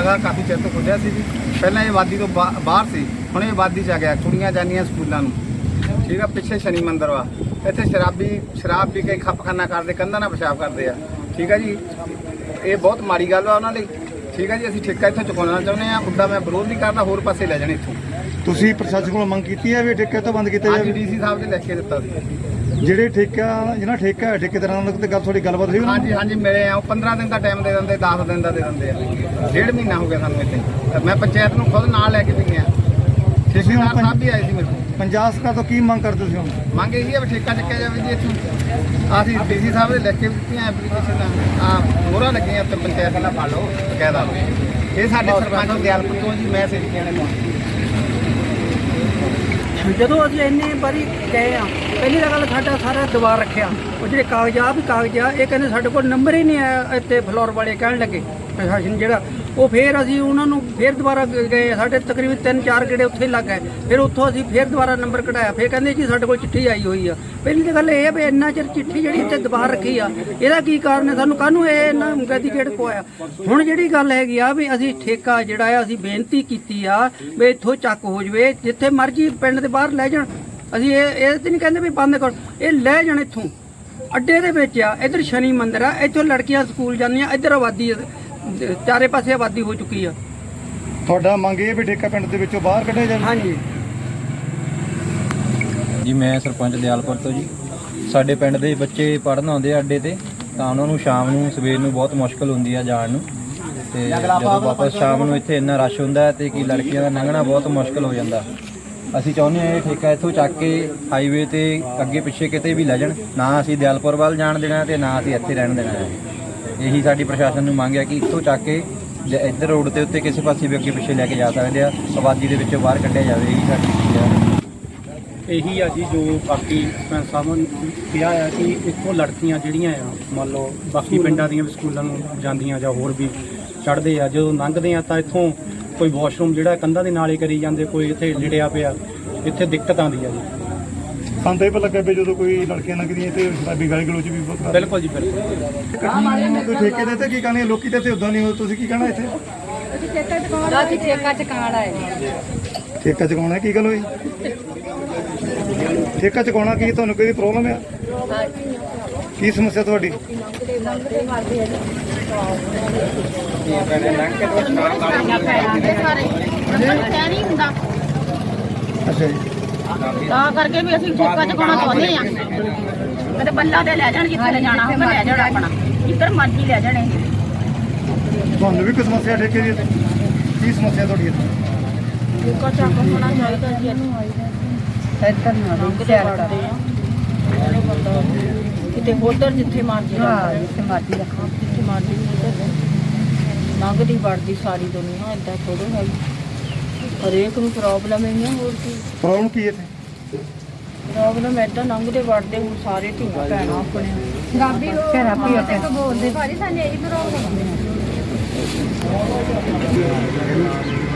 ਹੈਗਾ ਕਾਫੀ ਚਿਰ ਤੋਂ ਖੁੱਲ੍ਹਿਆ ਸੀ ਜੀ। ਪਹਿਲਾਂ ਇਹ ਆਬਾਦੀ ਤੋਂ ਬਾਹਰ ਸੀ, ਹੁਣ ਇਹ ਆਬਾਦੀ 'ਚ ਆ ਗਿਆ। ਕੁੜੀਆਂ ਜਾਂਦੀਆਂ ਸਕੂਲਾਂ ਨੂੰ, ਠੀਕ ਆ। ਪਿੱਛੇ ਸ਼ਨੀ ਮੰਦਰ ਵਾ, ਇੱਥੇ ਸ਼ਰਾਬ ਪੀ ਕੇ ਖੱਪਖਾਨਾ ਕਰਦੇ, ਕੰਧਾਂ ਨਾਲ ਪਿਸ਼ਾਬ ਕਰਦੇ ਆ, ਠੀਕ ਆ ਜੀ। ਇਹ ਬਹੁਤ ਮਾੜੀ ਗੱਲ ਆ ਉਹਨਾਂ ਲਈ, ਠੀਕ ਆ ਜੀ। ਅਸੀਂ ਠੇਕਾ ਇੱਥੋਂ ਚੁਕਾਉਣਾ ਚਾਹੁੰਦੇ ਆ। ਉੱਦਾਂ ਮੈਂ ਵਿਰੋਧ ਨਹੀਂ ਕਰਦਾ, ਹੋਰ ਪਾਸੇ ਲੈ ਜਾਣੇ ਇੱਥੋਂ। ਤੁਸੀਂ ਪ੍ਰਸ਼ਾਸਨ ਕੋਲੋਂ ਮੰਗ ਕੀਤੀ ਹੈ ਵੀ ਠੇਕੇ ਤੋਂ ਬੰਦ ਕੀਤਾ ਜਾਵੇ? ਡੀਸੀ ਸਾਹਿਬ ਨੇ ਲਿਖ ਕੇ ਦਿੱਤਾ ਸੀ। ਜਿਹੜੇ ਜਿਹਨਾਂ ਠੇਕਾ ਹੈ ਠੇਕੇਦਾਰਾਂ ਨਾਲ ਤੇ ਤੁਹਾਡੀ ਗੱਲਬਾਤ ਹੋਈ? ਹਾਂਜੀ ਮਿਲੇ ਆ। ਉਹ 15 ਦਿਨ ਦਾ ਟਾਈਮ ਦੇ ਦਿੰਦੇ, 10 ਦਿਨ ਦਾ ਦੇ ਦਿੰਦੇ ਆ। 1.5 ਮਹੀਨਾ ਹੋ ਗਿਆ ਸਾਨੂੰ ਇੱਥੇ। ਮੈਂ ਪੰਚਾਇਤ ਨੂੰ ਖੁਦ ਨਾਲ ਲੈ ਕੇ ਵੀ ਗਿਆ। ਠੇਕੇਦਾਰ ਸਾਹਿਬ ਵੀ ਆਏ ਸੀ ਮੇਰੇ ਕੋਲ। ਪੰਜਾਬ ਸਰਕਾਰ ਤੋਂ ਕੀ ਮੰਗ ਕਰਦੇ ਤੁਸੀਂ ਹੁਣ? ਮੰਗ ਇਹੀ ਹੈ ਵੀ ਠੇਕਾ ਚੱਕਿਆ ਜਾਵੇ ਜੀ ਇੱਥੋਂ। ਅਸੀਂ ਡੀਸੀ ਸਾਹਿਬ ਦੇ ਲਿਖ ਕੇ ਵੀ ਦਿੱਤੀਆਂ ਐਪਲੀਕੇਸ਼ਨ, ਮੋਹਰਾਂ ਲੱਗੀਆਂ ਉੱਤੇ ਪੰਚਾਇਤ ਨਾਲ ਪਾ ਲਓ ਬਕਾਇਦਾ। ਇਹ ਸਾਡੇ ਸਰਪੰਚ ਦਿਆਲਪੁਰ ਤੋਂ ਜੀ, ਮੈਂ ਸੇਵਕੀਆਂ ਨੇ। ਜਦੋਂ ਅਸੀਂ ਇੰਨੀ ਵਾਰੀ ਗਏ ਆ, ਪਹਿਲੀ ਤਾਂ ਗੱਲ ਸਾਡਾ ਸਾਰਾ ਦਬਾਅ ਰੱਖਿਆ। ਉਹ ਜਿਹੜੇ ਕਾਗਜ਼ ਆ ਇਹ ਕਹਿੰਦੇ ਸਾਡੇ ਕੋਲ ਨੰਬਰ ਹੀ ਨਹੀਂ ਆਇਆ। ਇੱਥੇ ਫਲੋਰ ਵਾਲੇ ਕਹਿਣ ਲੱਗੇ ਪ੍ਰਸ਼ਾਸਨ ਜਿਹੜਾ, ਉਹ ਫਿਰ ਅਸੀਂ ਉਹਨਾਂ ਨੂੰ ਫਿਰ ਦੁਬਾਰਾ ਗਏ। ਸਾਡੇ ਤਕਰੀਬਨ 3-4 ਗੇੜੇ ਉੱਥੇ ਲੱਗ ਗਏ। ਫਿਰ ਉੱਥੋਂ ਅਸੀਂ ਫਿਰ ਦੁਬਾਰਾ ਨੰਬਰ ਕਢਾਇਆ। ਫਿਰ ਕਹਿੰਦੇ ਜੀ ਸਾਡੇ ਕੋਲ ਚਿੱਠੀ ਆਈ ਹੋਈ ਆ। ਪਹਿਲੀ ਤਾਂ ਗੱਲ ਇਹ ਹੈ ਵੀ ਇੰਨਾ ਚਿਰ ਚਿੱਠੀ ਜਿਹੜੀ ਇੱਥੇ ਦਬਾਅ ਰੱਖੀ ਆ, ਇਹਦਾ ਕੀ ਕਾਰਨ ਹੈ? ਸਾਨੂੰ ਕਾਹਨੂੰ ਇਹ ਇਹਨਾਂ ਗੈਦੀਕੇਟ ਪਵਾਇਆ? ਹੁਣ ਜਿਹੜੀ ਗੱਲ ਹੈਗੀ ਆ ਵੀ ਅਸੀਂ ਠੇਕਾ ਜਿਹੜਾ ਆ, ਅਸੀਂ ਬੇਨਤੀ ਕੀਤੀ ਆ ਵੀ ਇੱਥੋਂ ਚੱਕ ਹੋ ਜਵੇ, ਜਿੱਥੇ ਮਰਜ਼ੀ ਪਿੰਡ ਦੇ ਬਾਹਰ ਲੈ ਜਾਣ। ਅਸੀਂ ਇਹ ਤੇ ਨਹੀਂ ਕਹਿੰਦੇ ਵੀ ਬੰਦ ਕਰ, ਇਹ ਲੈ ਜਾਣ ਇੱਥੋਂ। ਅੱਡੇ ਦੇ ਵਿੱਚ ਆ, ਇੱਧਰ ਸ਼ਨੀ ਮੰਦਰ ਆ, ਇੱਥੋਂ ਲੜਕੀਆਂ ਸਕੂਲ ਜਾਂਦੀਆਂ, ਇੱਧਰ ਆਬਾਦੀ ਚਾਰੇ ਪਾਸੇ ਆਬਾਦੀ ਹੋ ਚੁੱਕੀ ਆ। ਤੁਹਾਡਾ ਮੰਗ ਇਹ ਵੀ ਠੇਕਾ ਪਿੰਡ ਦੇ ਵਿੱਚੋਂ ਬਾਹਰ ਕੱਢਿਆ ਜਾਵੇ? ਹਾਂਜੀ ਜੀ, ਮੈਂ ਸਰਪੰਚ ਦਿਆਲਪੁਰ ਤੋਂ ਜੀ। ਸਾਡੇ ਪਿੰਡ ਦੇ ਬੱਚੇ ਪੜ੍ਹਨ ਆਉਂਦੇ ਆ ਅੱਡੇ ਤੇ, ਤਾਂ ਉਹਨਾਂ ਨੂੰ ਸ਼ਾਮ ਨੂੰ ਸਵੇਰ ਨੂੰ ਬਹੁਤ ਮੁਸ਼ਕਲ ਹੁੰਦੀ ਆ ਜਾਣ ਨੂੰ। ਤੇ ਜਦੋਂ ਵਾਪਸ ਸ਼ਾਮ ਨੂੰ ਇੱਥੇ ਇੰਨਾ ਰਸ਼ ਹੁੰਦਾ ਤੇ ਕਿ ਲੜਕੀਆਂ ਦਾ ਲੰਘਣਾ ਬਹੁਤ ਮੁਸ਼ਕਲ ਹੋ ਜਾਂਦਾ। ਅਸੀਂ ਚਾਹੁੰਦੇ ਹਾਂ ਇਹ ਠੇਕਾ ਇੱਥੋਂ ਚੱਕ ਕੇ ਹਾਈਵੇ ਤੇ ਅੱਗੇ ਪਿੱਛੇ ਕਿਤੇ ਵੀ ਲੈ ਜਾਣ। ਨਾ ਅਸੀਂ ਦਿਆਲਪੁਰ ਵੱਲ ਜਾਣ ਦੇਣਾ ਤੇ ਨਾ ਅਸੀਂ ਇੱਥੇ ਰਹਿਣ ਦੇਣਾ ਹੈ। ਇਹੀ ਸਾਡੀ ਪ੍ਰਸ਼ਾਸਨ ਨੂੰ ਮੰਗ ਹੈ ਕਿ ਇੱਥੋਂ ਚੱਕ ਕੇ ਇੱਧਰ ਰੋਡ ਦੇ ਉੱਤੇ ਕਿਸੇ ਪਾਸੇ ਵੀ ਅੱਗੇ ਪਿੱਛੇ ਲੈ ਕੇ ਜਾ ਸਕਦੇ ਆ। ਆਬਾਦੀ ਦੇ ਵਿੱਚੋਂ ਬਾਹਰ ਕੱਢਿਆ ਜਾਵੇ, ਇਹੀ ਸਾਡੀ ਚੀਜ਼ ਹੈ। ਇਹੀ ਆ ਜੀ ਜੋ ਬਾਕੀ ਸਰਪੰਚ ਸਾਹਿਬ ਨੇ ਕਿਹਾ ਆ ਕਿ ਇੱਥੋਂ ਲੜਕੀਆਂ ਜਿਹੜੀਆਂ ਆ, ਮੰਨ ਲਓ ਬਾਕੀ ਪਿੰਡਾਂ ਦੀਆਂ ਵੀ ਸਕੂਲਾਂ ਨੂੰ ਜਾਂਦੀਆਂ ਜਾਂ ਹੋਰ ਵੀ ਚੜ੍ਹਦੇ ਆ, ਜਦੋਂ ਲੰਘਦੇ ਆ ਤਾਂ ਇੱਥੋਂ ਕੋਈ ਵਾਸ਼ਰੂਮ ਜਿਹੜਾ ਕੰਧਾਂ ਦੇ ਨਾਲੇ ਕਰੀ ਜਾਂਦੇ, ਕੋਈ ਇੱਥੇ ਲਿੜਿਆ ਪਿਆ, ਇੱਥੇ ਦਿੱਕਤ ਆਉਂਦੀ ਆ ਜੀ। ਸਾਨੂੰ ਤਾਂ ਇਹ ਪਤਾ ਲੱਗਾ ਵੀ ਜਦੋਂ ਕੋਈ ਲੜਕੀਆਂ ਲੰਘਦੀਆਂ ਤੇ ਸ਼ਰਾਬੀ ਗਾਲੀ ਗਲੋਚ ਵੀ ਬਹੁਤ ਕਰਦੇ। ਬਿਲਕੁਲ ਜੀ, ਬਿਲਕੁਲ। ਕੋਈ ਠੇਕੇ ਦੇ ਤੇ ਕੀ ਕਹਣੇ ਲੋਕੀ ਤੇ ਉਦਾਂ ਨਹੀਂ ਹੋ, ਤੁਸੀਂ ਕੀ ਕਹਿਣਾ ਇੱਥੇ? ਠੇਕਾ ਚਕਾਉਣਾ ਹੈ। ਠੇਕਾ ਚੁਕਾਉਣਾ ਕੀ ਗੱਲ ਹੋਈ? ਠੇਕਾ ਚੁਕਾਉਣਾ ਕੀ ਤੁਹਾਨੂੰ ਕੋਈ ਪ੍ਰੋਬਲਮ ਹੈ? ਕੀ ਸਮੱਸਿਆ ਤੁਹਾਡੀ? ਅੱਛਾ ਜੀ, ਤਾਂ ਕਰਕੇ ਵੀ ਅਸੀਂ ਠੇਕਾ ਚੁਕਾਉਣਾ ਚਾਹੁੰਦੇ ਆ। ਕਦੇ ਬੱਲਾ ਦੇ ਲੈ ਜਾਣ, ਜਿੱਥੇ ਲੈ ਜਾਣਾ ਹੋਵੇ ਲੈ ਜਾਣ, ਆਪਣਾ ਜਿੱਧਰ ਮਰਜ਼ੀ ਲੈ ਜਾਣੇ। ਤੁਹਾਨੂੰ ਵੀ ਕੋਈ ਸਮੱਸਿਆ ਠੇਕੇ ਦੀ? ਕੀ ਸਮੱਸਿਆ ਤੁਹਾਡੀ ਇੱਥੇ? ਠੇਕਾ ਚੱਕ ਹੋਣਾ ਚਾਹੀਦਾ ਜੀ। ਇੱਧਰ ਨਾ ਕਿਤੇ ਉਧਰ ਜਿੱਥੇ ਮਰਜ਼ੀ, ਜਿੱਥੇ ਮਰਜ਼ੀ ਰੱਖੋ, ਜਿੱਥੇ ਮਰਜ਼ੀ ਲੰਘਦੀ ਵੜਦੀ ਸਾਰੀ ਦੁਨੀਆ। ਏਦਾਂ ਥੋੜ੍ਹਾ ਹੈ, ਹਰੇਕ ਨੂੰ ਪ੍ਰੋਬਲਮ ਹੀ ਆ। ਹੋਰ ਕੀ ਪ੍ਰੋਬਲਮ ਕੀ ਹੈ ਇੱਥੇ? ਪ੍ਰੋਬਲਮ ਏਦਾਂ ਲੰਘਦੇ ਵੜਦੇ ਹੁਣ ਸਾਰੇ ਧੀਆਂ ਭੈਣਾਂ ਆਪਣੇ ਪੰਜਾਬੀ ਤੋਂ ਬੋਲਦੇ ਭਾਜੀ, ਸਾਨੂੰ ਇਹੀ ਪ੍ਰੋਬਲਮ